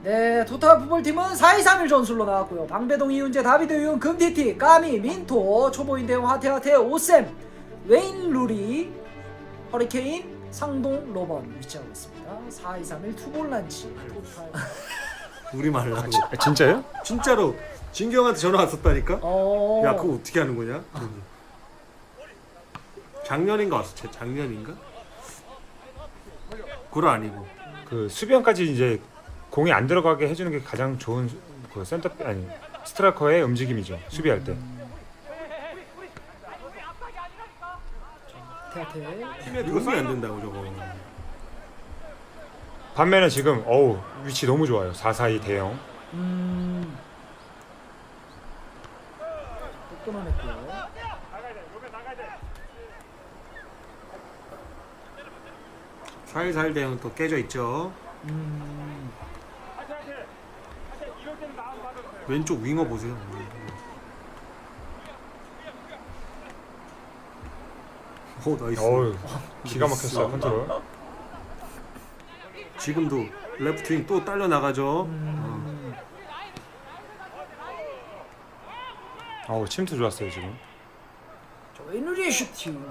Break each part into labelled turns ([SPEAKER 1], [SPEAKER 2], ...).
[SPEAKER 1] 네, 토탈 풋볼팀은 4-2-3-1 전술로 나왔고요. 방배동, 이윤재, 다비드, 윤, 금티티, 까미, 민토, 초보인 대용, 하태하태, 오셈, 웨인, 루리, 허리케인, 상동, 로번 위치하고 있습니다. 4-2-3-1 투볼란치 토탈.
[SPEAKER 2] 우리 말라고.
[SPEAKER 3] 진짜요?
[SPEAKER 2] 진짜로 진경한테 전화 왔었다니까. 야 그거 어떻게 하는 거냐? 작년인가 왔어. 작년인가? 그거 아니고.
[SPEAKER 3] 그 수비형까지 이제 공이 안 들어가게 해주는 게 가장 좋은 그 센터 아니 스트라이커의 움직임이죠. 수비할 때.
[SPEAKER 1] 하태하태.
[SPEAKER 2] 팀에 도움이 안 된다고 저거.
[SPEAKER 3] 반면에 지금 어우 위치 너무 좋아요. 4-4-2 대형.
[SPEAKER 1] 또 끊어냈고요.
[SPEAKER 2] 살살 대형 또 깨져 있죠. 왼쪽 윙어 보세요. 오 나이스.
[SPEAKER 3] 어우 기가 막혔어요 컨트롤.
[SPEAKER 2] 지금도 레프트 윙 또 딸려 나가죠.
[SPEAKER 3] 어우 침투 좋았어요 지금.
[SPEAKER 1] 저 웨인루리의 슈팅.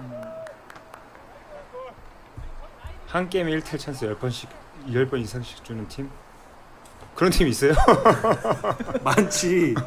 [SPEAKER 3] 한 게임에 1킬 찬스 10번 이상씩 주는 팀? 그런 팀이 있어요?
[SPEAKER 2] 많지.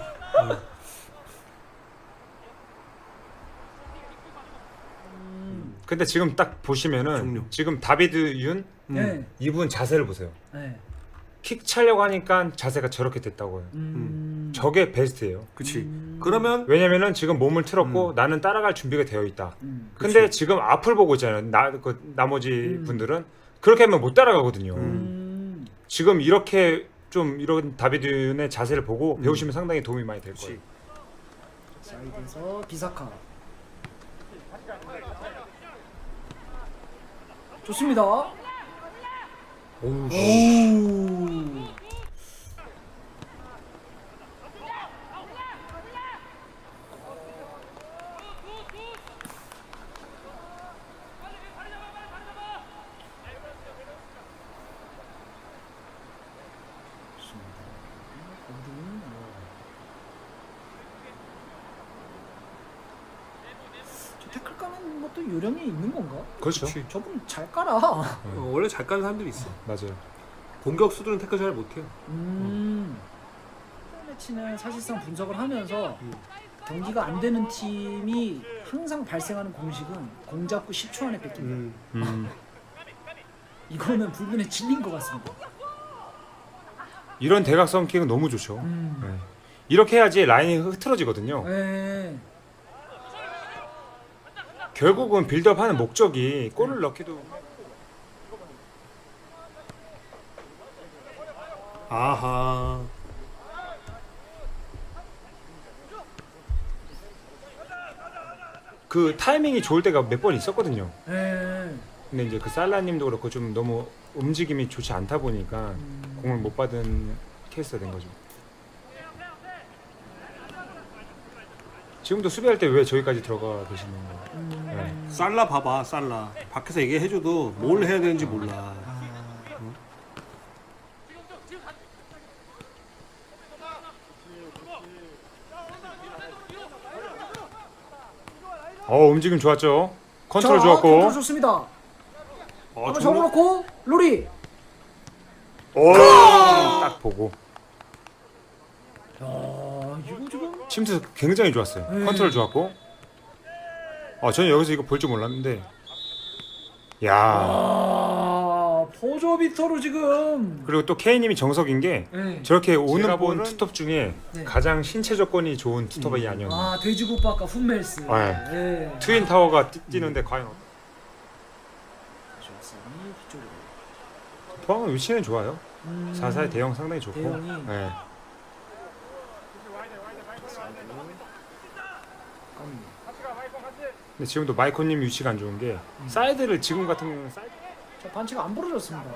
[SPEAKER 3] 근데 지금 딱 보시면은
[SPEAKER 2] 종료.
[SPEAKER 3] 지금 다비드 윤
[SPEAKER 1] 네.
[SPEAKER 3] 이분 자세를 보세요.
[SPEAKER 1] 네.
[SPEAKER 3] 킥 차려고 하니까 자세가 저렇게 됐다고요. 저게 베스트예요.
[SPEAKER 2] 그치. 그러면
[SPEAKER 3] 왜냐면은 지금 몸을 틀었고 나는 따라갈 준비가 되어 있다. 근데
[SPEAKER 2] 그치.
[SPEAKER 3] 지금 앞을 보고 있잖아요. 나머지 분들은 그렇게 하면 못 따라가거든요. 지금 이렇게 좀 이런 다비드의 자세를 보고 배우시면 상당히 도움이 많이 될 거예요.
[SPEAKER 1] 사이드에서 비사카. 좋습니다.
[SPEAKER 2] 오우.
[SPEAKER 1] 오. 태클 까는 것도 요령이 있는 건가?
[SPEAKER 3] 그렇죠.
[SPEAKER 2] 그치.
[SPEAKER 1] 저분 잘 깔아.
[SPEAKER 2] 원래 잘 까는 사람들이 있어.
[SPEAKER 3] 맞아요.
[SPEAKER 2] 공격수들은 태클 잘 못해요.
[SPEAKER 1] 매치는 사실상 분석을 하면서 경기가 안 되는 팀이 항상 발생하는 공식은 공 잡고 10초 안에 뺏긴다. 이거는 불문에 진린 것 같습니다.
[SPEAKER 3] 이런 대각선 킥은 너무 좋죠. 네. 이렇게 해야지 라인이 흐트러지거든요.
[SPEAKER 1] 네.
[SPEAKER 3] 결국은 빌드업하는 목적이 골을 넣기도.
[SPEAKER 2] 아하.
[SPEAKER 3] 그 타이밍이 좋을 때가 몇 번 있었거든요.
[SPEAKER 1] 네.
[SPEAKER 3] 근데 이제 그 살라님도 그렇고 좀 너무 움직임이 좋지 않다 보니까 공을 못 받은 케이스가 된 거죠. 지금도 수비할 때 왜 저기까지 들어가 계시는 거예요? 네.
[SPEAKER 2] 살라 봐봐 살라. 밖에서 얘기해줘도 뭘 해야 되는지 몰라.
[SPEAKER 3] 움직임 좋았죠. 컨트롤
[SPEAKER 1] 자,
[SPEAKER 3] 좋았고.
[SPEAKER 1] 컨트롤 좋습니다. 한번 접어놓고 로리.
[SPEAKER 3] 딱 보고
[SPEAKER 1] 야, 이거 지금
[SPEAKER 3] 침투 굉장히 좋았어요. 컨트롤 좋았고. 저는 여기서 이거 볼 줄 몰랐는데. 야.
[SPEAKER 1] 포조비터로 지금.
[SPEAKER 3] 그리고 또 K님이 정석인 게
[SPEAKER 1] 네.
[SPEAKER 3] 저렇게 오는
[SPEAKER 2] 제가
[SPEAKER 3] 본
[SPEAKER 2] 보는-
[SPEAKER 3] 투톱 중에
[SPEAKER 1] 네.
[SPEAKER 3] 가장 신체 조건이 좋은 투톱이 아니었나.
[SPEAKER 1] 아, 돼지국밥과 훈멜스.
[SPEAKER 3] 네.
[SPEAKER 1] 네.
[SPEAKER 3] 트윈 타워가 뛰는데 과연
[SPEAKER 1] 좋았어요. 뒤쪽으로.
[SPEAKER 3] 포항은 위치는 좋아요. 4-4의 대형 상당히 좋고.
[SPEAKER 1] 대형이.
[SPEAKER 3] 네. 근데 지금도 마이코님 위치가 안 좋은 게 사이드를 지금 같은 경우는 사이드
[SPEAKER 1] 자, 반칙 안 부러졌습니다.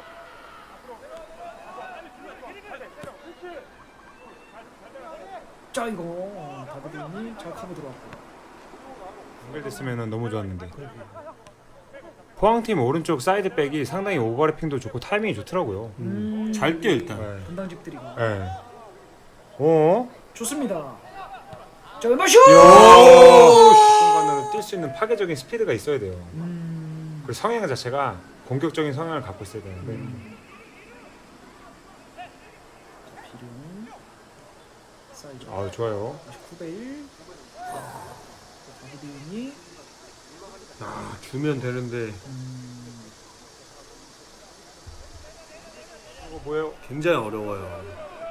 [SPEAKER 1] 자, 이거 다비드님 잘 커버 들어왔고.
[SPEAKER 3] 연결됐으면 너무 좋았는데. 포항팀 오른쪽 사이드백이 상당히 오버래핑도 좋고 타이밍이 좋더라고요.
[SPEAKER 2] 잘 뛰어 일단.
[SPEAKER 3] 네.
[SPEAKER 1] 분당집들이고.
[SPEAKER 3] 네. 어?
[SPEAKER 1] 좋습니다. 자 왼발 슛!
[SPEAKER 3] 순간으로 뛸 수 있는 파괴적인 스피드가 있어야 돼요. 그 성향 자체가 공격적인 성향을 갖고 있어야 되는데.
[SPEAKER 1] 비룡. 사이즈.
[SPEAKER 3] 아 좋아요.
[SPEAKER 1] 9대1. 다비드윤이.
[SPEAKER 2] 아 주면 되는데
[SPEAKER 3] 이거 뭐예요?
[SPEAKER 2] 굉장히 어려워요.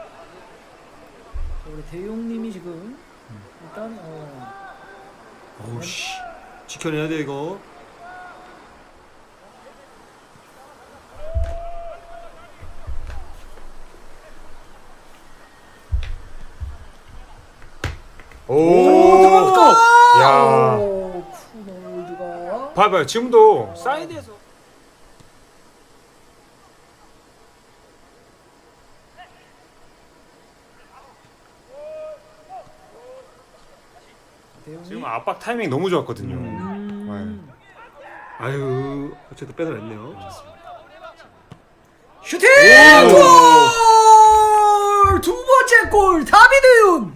[SPEAKER 1] 우리 대용님이 지금 일단
[SPEAKER 2] 어우 씨 지켜내야 돼 이거.
[SPEAKER 1] 들어갔다!
[SPEAKER 3] 야.
[SPEAKER 1] 쿠놀드가
[SPEAKER 3] 봐봐요. 지금도 사이드에서
[SPEAKER 1] 대용이
[SPEAKER 3] 지금 압박 타이밍 너무 좋았거든요.
[SPEAKER 2] 아유 어쨌든 뺏어냈네요.
[SPEAKER 1] 슈팅! 골! 두 번째 골 다비드윤.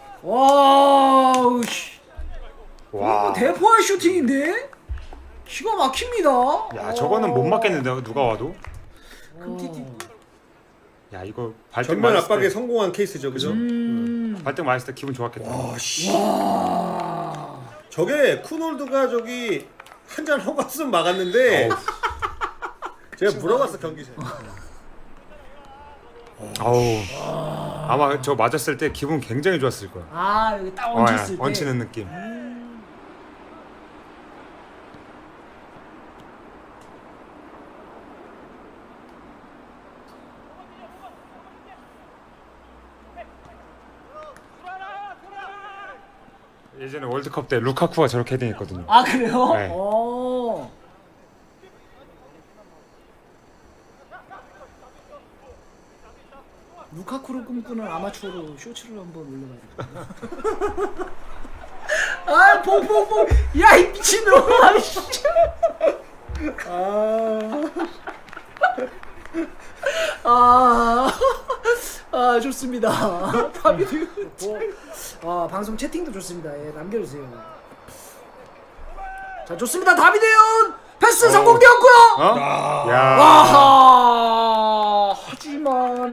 [SPEAKER 1] 와우 씨.
[SPEAKER 3] 와.
[SPEAKER 1] 대포할 슈팅인데 기가 막힙니다.
[SPEAKER 3] 야 저거는 못 맞겠는데 누가 와도.
[SPEAKER 1] 금티티.
[SPEAKER 3] 야 이거 발등
[SPEAKER 2] 전면
[SPEAKER 3] 맞았을
[SPEAKER 2] 압박에
[SPEAKER 3] 때,
[SPEAKER 2] 성공한 케이스죠, 그죠?
[SPEAKER 3] 발등 맞았을 때 기분 좋았겠다.
[SPEAKER 2] 와 씨.
[SPEAKER 1] 와.
[SPEAKER 2] 저게 쿠놀드가 저기 한 잔 허갔으면 막았는데 제가 물어봤어 경기 전에.
[SPEAKER 3] 아우. 아마 저 맞았을 때 기분 굉장히 좋았을 거야.
[SPEAKER 1] 아 여기 딱
[SPEAKER 3] 야,
[SPEAKER 1] 얹혔을 때.
[SPEAKER 3] 얹히는 느낌. 예전에 월드컵 때 루카쿠가 저렇게 헤딩했거든요.
[SPEAKER 1] 아 그래요?
[SPEAKER 3] 네.
[SPEAKER 1] 루카쿠를 꿈꾸는 아마추어로 쇼츠를 한번 올려봐야겠다. 아, 퐁퐁퐁! 야, 이 미친놈아! 씨. 아, 좋습니다. 다비드. 방송 채팅도 좋습니다. 예, 남겨주세요. 자, 좋습니다. 다비드윤 패스 성공되었고요.
[SPEAKER 3] 어? 야.
[SPEAKER 1] 아하. 하지만